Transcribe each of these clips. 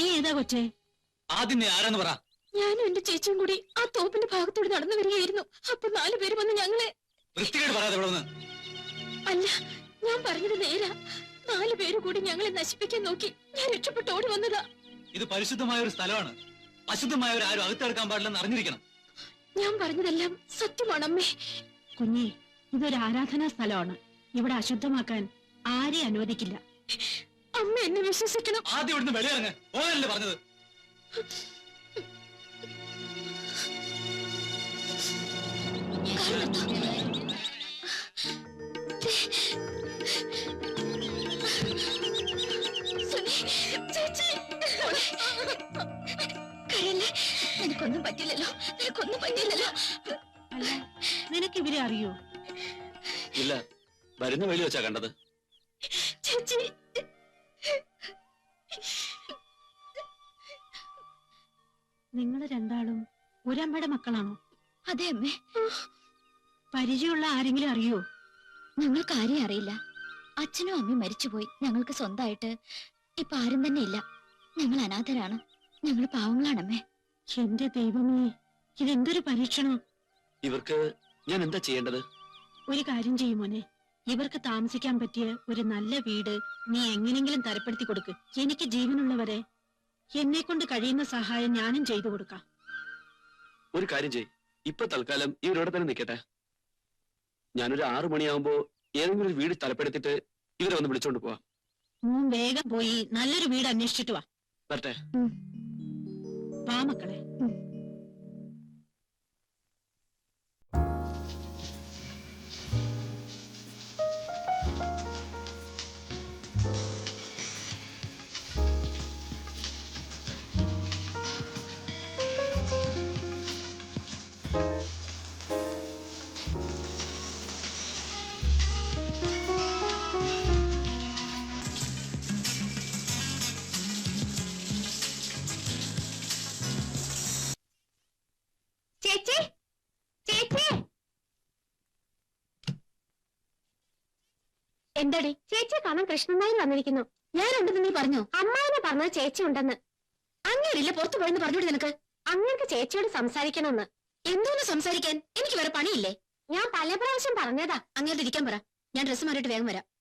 നീ ഏതാ കൊച്ചേ? ആദ്യം നീ ആരാന്ന് പറ. ഞാനും എന്റെ ചേച്ചിയും കൂടി ആ തോപ്പിന്റെ ഭാഗത്തോട് നടന്നു വരികയായിരുന്നു. അപ്പൊ 4 പേര് വന്ന് ഞങ്ങളെ. വൃത്തികേട് പറയാതെ ഇവിടെ നിന്ന്. അല്ല, ഞാൻ പറഞ്ഞത് നേരാ. 4 പേര് കൂടി ഞങ്ങളെ നശിപ്പിക്കാൻ നോക്കി. ഞാൻ രക്ഷപ്പെട്ട് ഓടി വന്നതാ. ഇത് പരിശുദ്ധമായ ഒരു സ്ഥലമാണ്. അശുദ്ധമായവർ ആരും അകത്തെടുക്കാൻ പാടില്ലെന്ന് അറിഞ്ഞിരിക്കണം. ഞാൻ പറഞ്ഞതെല്ലാം സത്യമാണ് അമ്മേ. കുഞ്ഞി, ഇതൊരു ആരാധനാ സ്ഥലമാണ്. ഇവിടെ അശുദ്ധമാക്കാൻ ആരെയും അനുവദിക്കില്ല. അമ്മ എന്നെ വിശ്വസിക്കണം. ആദ്യം ഇവിടുന്ന് വെളിയിറങ്ങ്. ഓനല്ലേ പറഞ്ഞത്? നിനക്കൊന്നും പറ്റില്ലല്ലോ, നിനക്കൊന്നും പറ്റില്ലല്ലോ. അല്ല, നിനക്ക് ഇവരെ അറിയോ? ഇല്ല, വരുന്ന വെളി വെച്ചാ കണ്ടത്. ചേച്ചി, നിങ്ങൾ രണ്ടാളും ഒരമ്മയുടെ മക്കളാണോ? അതെ അമ്മേ. പരിചയമുള്ള ആരെങ്കിലും അറിയോ? ഞങ്ങൾക്ക് ആരെയും അറിയില്ല. അച്ഛനും അമ്മയും മരിച്ചുപോയി. ഞങ്ങൾക്ക് സ്വന്തമായിട്ട് ഇപ്പൊ ആരും തന്നെ ഇല്ല. ഞങ്ങൾ അനാഥരാണ്. ഞങ്ങൾ പാവങ്ങളാണമ്മേ. എന്റെ ദൈവമേ, ഇതെന്തൊരു പരീക്ഷണം. ഇവർക്ക് ഞാൻ എന്താ ചെയ്യേണ്ടത്? ഒരു കാര്യം ചെയ്യുമോനെ, ഇവർക്ക് താമസിക്കാൻ പറ്റിയ ഒരു നല്ല വീട് നീ എങ്ങനെങ്കിലും തരപ്പെടുത്തി കൊടുക്ക്. എനിക്ക് ജീവനുള്ളവരെ എന്നെ കൊണ്ട് കഴിയുന്ന സഹായം ഞാനും ചെയ്തു കൊടുക്കാം. ഒരു കാര്യം ചെയ്, ഇപ്പൊ തൽക്കാലം ഇവരോടെ തന്നെ നിൽക്കട്ടെ. ഞാനൊരു 6 മണിയാവുമ്പോ ഏതെങ്കിലും ഒരു വീട് തലപ്പെടുത്തിട്ട് ഇവരെ ഒന്ന് വിളിച്ചോണ്ട് പോവാം. വേഗം പോയി നല്ലൊരു വീട് അന്വേഷിച്ചിട്ട് വാ. വരട്ടെ. വാ മക്കളെ. ചേച്ചി, ചേച്ചി, എന്താടി? ചേച്ചിയെ കാണാൻ കൃഷ്ണനായി വന്നിരിക്കുന്നു. ഞാനുണ്ടെന്ന് നീ പറഞ്ഞോ? അമ്മാവനെ പറഞ്ഞത് ചേച്ചി ഉണ്ടെന്ന്. അങ്ങേരില്ല, പുറത്തു പോയെന്ന് പറഞ്ഞോട് നിനക്ക്. അങ്ങേർക്ക് ചേച്ചിയോട് സംസാരിക്കണമെന്ന്. എന്തോന്ന് സംസാരിക്കാൻ? എനിക്ക് വേറെ പണിയില്ലേ? ഞാൻ പല പ്രാവശ്യം പറഞ്ഞതാ. അങ്ങോട്ട് ഇരിക്കാൻ പറ. ഞാൻ ഡ്രസ്സ് മാറിയിട്ട് വേഗം വരാം.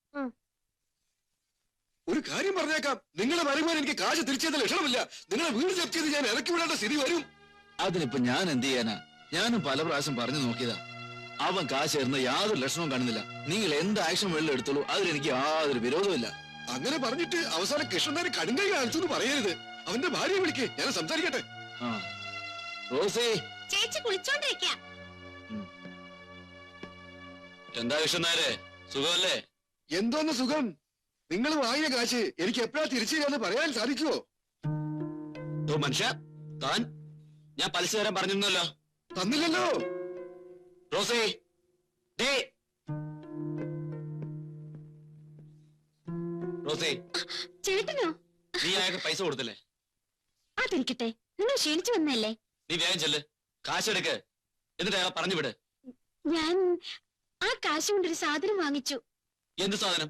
ഒരു കാര്യം പറഞ്ഞേക്കാം, നിങ്ങളെ വരുമാനം എനിക്ക് കാശ് തിരിച്ചത് ലക്ഷണമില്ല. നിങ്ങളെ വീട് ജപ്തി ചെയ്ത് ഞാൻ ഇറക്കി വിടേണ്ട സ്ഥിതി വരും. അതിനിപ്പോ ഞാൻ എന്ത് ചെയ്യാനാ? ഞാനും പല പ്രാവശ്യം പറഞ്ഞു നോക്കിയതാ. അവൻ കാശ് തരുന്ന യാതൊരു ലക്ഷണവും കാണുന്നില്ല. നിങ്ങൾ എന്ത് ആക്ഷൻ വെള്ളം എടുത്തോളൂ, അതിലെനിക്ക് യാതൊരു വിരോധമില്ല. അങ്ങനെ പറഞ്ഞിട്ട് അവസാനം കൃഷ്ണനാര് കടുങ്കൈ കാണിച്ചു എന്ന് പറയരുത്. അവന്റെ ഭാര്യയെ വിളിക്ക്, ഞാൻ സംസാരിക്കട്ടെ. റോസി, ചേച്ചി കുളിച്ചോണ്ടിരിക്ക. എന്താ കൃഷ്ണനാരെ, സുഖമല്ലേ? എന്തോന്ന് സുഖം? നിങ്ങൾ വാങ്ങിയ കാശ് എനിക്ക് എപ്പോഴാ തിരിച്ചു തരാന്ന് പറയാൻ സാധിക്കുമോ? മനുഷ്യ, താൻ ഞാൻ പലിശ തരാൻ പറഞ്ഞിരുന്നല്ലോ. തന്നില്ലല്ലോ. റോസി, റോസി, ചേട്ടനോ? നീ അയാൾക്ക് പൈസ കൊടുത്തില്ലേ? അതിരിക്കട്ടെ, നിങ്ങൾ ക്ഷീണിച്ചു വന്നല്ലേ? നീ വേഗം ചെല്ല്, കാശെടുക്ക്, എന്നിട്ട് അയാളെ പറഞ്ഞു വിട്. ഞാൻ ആ കാശ് കൊണ്ടൊരു സാധനം വാങ്ങിച്ചു. എന്ത് സാധനം?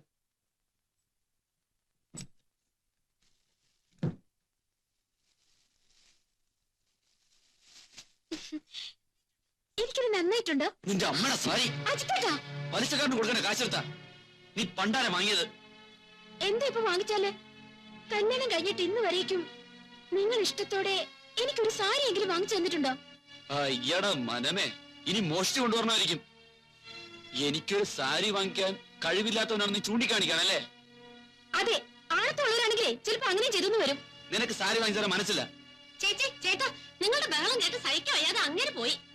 എനിക്കത് നന്നായിട്ടുണ്ടോ? നിന്റെ അമ്മയുടെ സാരി അജിത്തേട്ടാ, പലിശക്കാരന് കൊടുക്കണ കാശെടുത്താ നീ പണ്ടാരെ വാങ്ങിയത്. എന്താ ഇപ്പൊ വാങ്ങിച്ചാല്? കല്യാണം കഴിഞ്ഞിട്ട് ഇന്ന് വരേക്കും നിങ്ങൾ ഇഷ്ടത്തോടെ എനിക്കൊരു സാരി എങ്കിലും വാങ്ങിച്ചു തന്നിട്ടുണ്ടോ? അയ്യട മനമേ, ഇനി മോഷ്ടി കൊണ്ടുവരണമായിരിക്കും. എനിക്കൊരു സാരി വാങ്ങിക്കാൻ കഴിവില്ലാത്തവനാണ് നീ ചൂണ്ടിക്കാണിക്കാണല്ലേ? അതെ, ആഴത്തുള്ളവരാണെങ്കിലേ ചിലപ്പോ അങ്ങനെ ചെയ്തെന്ന് വരും. നിനക്ക് സാരി വാങ്ങിച്ചാൽ മനസ്സില്ല. ചേച്ചി, ചേട്ടാ, നിങ്ങളുടെ ബഹളം കേട്ട് സഹിക്കാൻ വയ്യാതെ അങ്ങനെ പോയി.